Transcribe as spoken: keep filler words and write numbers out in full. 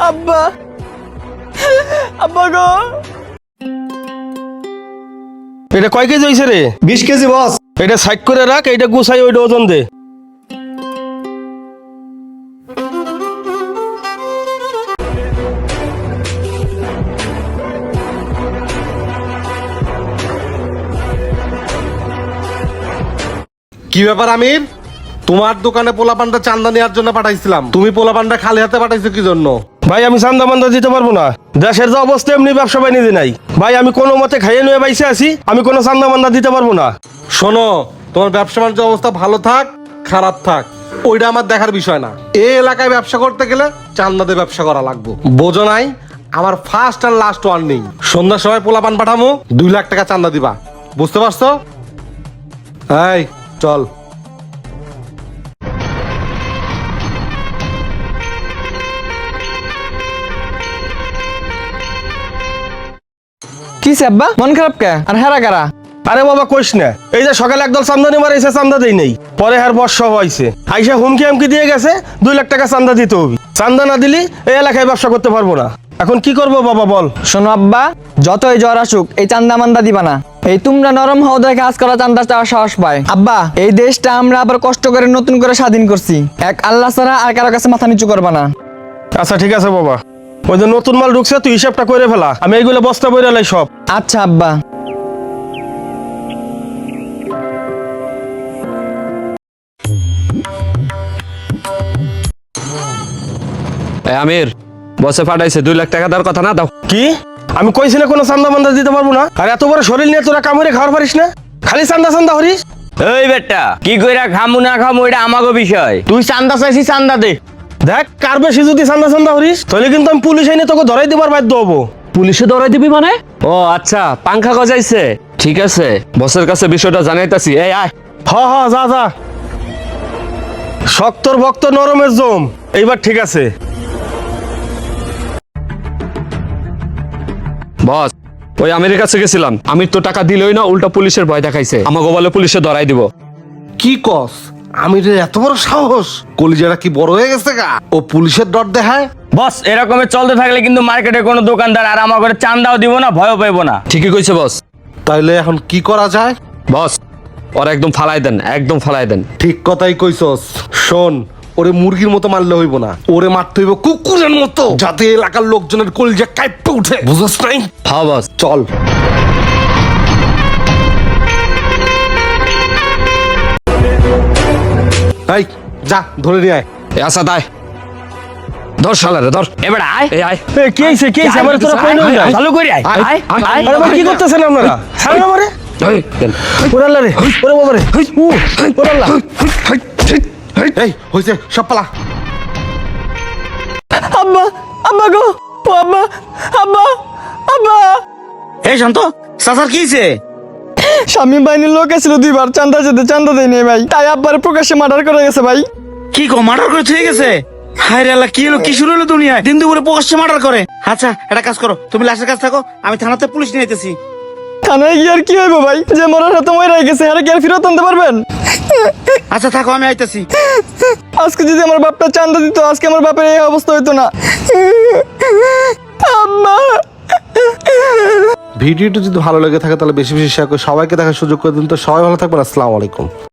আব্বা আব্বা গো। এটা কয় কেজি হয়েছে রে? বিশ কেজি বস। এটা সাইড করে রাখ, এটা গুছাই ওইটা ওজন দে। কি ব্যাপার আমির, তোমার দোকানে পোলাপানটা চান্দা নেওয়ার জন্য পাঠাইছিলাম, তুমি পোলাপানটা খালি হাতে পাঠাইছো কি জন্য? ভাই আমি চান্দা মান্দা দিতে পারবো না, দেশের যে অবস্থা এমনি ব্যবসা বাণিজ্য নাই। ভাই আমি কোনো মতে খাইয়ে নিয়ে বাইসে আছি, আমি কোনো চান্দা মান্দা দিতে পারবো না। শোনো, তোমার ব্যবসা বাণিজ্য অবস্থা ভালো থাক খারাপ থাক ওইটা আমার দেখার বিষয় না। এই এলাকায় ব্যবসা করতে গেলে চান্দাতে ব্যবসা করা লাগবে, বোঝো নাই? আমার ফার্স্ট আর লাস্ট ওয়ার্নিং, সন্ধ্যার সময় পোলাপান পাঠামো, দুই লাখ টাকা চান্দা দিবা, বুঝতে পারছো? এই চল। কি আব্বা মন খারাপ কে? আর হেরা কারা? আরে বাবা কইস না, এই যে সকালে একদল চান্দা নিবার এসে চান্দা দেই নেই, পরে হার বর্ষা হয়েছে, আইসা হুমকি আমকি দিয়ে গেছে দুই লাখ টাকা চান্দা দিতে হবে। চান্দা না দিলি এই এলাকায় ব্যবসা করতে পারবো না। এখন কি করবো বাবা বল? শোনো আব্বা, যতই জ্বর আসুক এই চান্দা মান্দা দিবা না। এই তোমরা নরম হও দেখে কাজ করা চান্দা চাওয়ার সাহস পায়। আব্বা এই দেশটা আমরা আবার কষ্ট করে নতুন করে স্বাধীন করছি, এক আল্লাহ ছাড়া আর কারো কাছে মাথা নিচু করবা না। আচ্ছা ঠিক আছে বাবা, ওই যে নতুন মাল ঢুকছে তুই হিসাবটা করে ফেলা, আমি এইগুলো বস্তা বইরা লাই সব। আচ্ছা আব্বা। আমির বসে পাঠাইছে দুই লাখ টাকা দেওয়ার কথা না, দাও। কি? আমি কইছি না কোনো চান্দা মান্দা দিতে পারবো না? আর এত বড় শরীর নিয়ে তোরা কামড়ে খাওয়ার পারিস না, খালি চান্দা চান্দা হরিস। এই বেটা কি কইরা খামু না খামু এটা আমাগো বিষয়, তুই চান্দা চাইছি চান্দা দে। দেখ কার বেশি যদি চান্দা চান্দা হরিস তাহলে কিন্তু আমি পুলিশ আইনে তোকে ধরাই দেবার বাধ্য হবো। পুলিশে ধরাই দিবি মানে? ও আচ্ছা, পাংখা গজাইছে, ঠিক আছে বসের কাছে বিষয়টা জানাইতাছি। এই আয়। হ হ যা যা, শক্তর ভক্ত নরমের জম, এইবার ঠিক আছে। বস ওই আমিরের কাছে গেছিলাম, আমির তো টাকা দিলই না, উল্টা পুলিশের ভয় দেখাইছে, আমাকে বলে পুলিশে ধরাই দিব। কি কস? আমিরের এত বড় সাহস? কলিজাটা কি বড় হয়ে গেছে গা? ও পুলিশের ডর দেখায়? বস এরকমের চলতে থাকলে কিন্তু মার্কেটে কোনো দোকানদার আর আমার ঘরে চান্দাও দিব না, ভয়ও পাইবো না। ঠিকই কইছে বস। তাইলে এখন কি করা যায়? বস ওরা একদম ফালাই দেন, একদম ফালাই দেন। ঠিক কথাই কইছস। শোন, ওরে মুরগির মতো মারলে হইব না, ওরে মারতে হইব কুকুরের মতো, যাতে এলাকার লোকজনের কলিজা কাঁপতে উঠে, বুঝছস নাই? হ্যাঁ বস। চল। এই যা ধরে নিয়ে আয়। এ আসা দায়, ধর শালারে ধর। এবার আয়। এই আয়। এ কি হইছে কি হইছে? আমার তোরা কই নিয়ে যায়? চালু করি আয় আয়, আয় আয়, আয়। আরে ভাই কি করতেছেন আপনারা? ছাড়েন আমারে। এই, দেন। ওরে আল্লাহ রে, ওরে বাবা রে, উ ওরে আল্লাহ। এই হইছে, সব পালা। আব্বা আব্বা গো, ও আব্বা আব্বা আব্বা। এই শান্ত, সাসার কি হইছে? স্বামী বাহিনীর লোক এসেছিল দুইবার, চান্দা যেতে চান্দা দেয় নেই ভাই, তাই আব্বার প্রকাশ্যে মার্ডার করে গেছে ভাই। কি গো মার্ডার করে থয়ে গেছে? হায় রে আল্লাহ, কি হলো কি শুরু হলো দুনিয়ায়? দিন দুপুরে প্রকাশ্যে মার্ডার করে। আচ্ছা একটা কাজ করো, তুমি লাশের কাছে থাকো, আমি থানাতে পুলিশ নিয়ে যেতেছি। থানায় গিয়ে আর কি হইব ভাই, যে মরার হাতে মরে গেছে আর কি আর ফেরত আনতে পারবেন? আচ্ছা থাকো, আমি আইতেছি। আজকে যদি আমার বাপটা চান্দা দিত, আজকে আমার বাপের এই অবস্থা হইতো না। আম্মা। ভিডিওটি যদি ভালো লেগে থাকে তাহলে বেশি বেশি শেয়ার করে সবাইকে দেখার সুযোগ করে দিন। তো সবাই ভালো থাকবেন, আসসালামু আলাইকুম।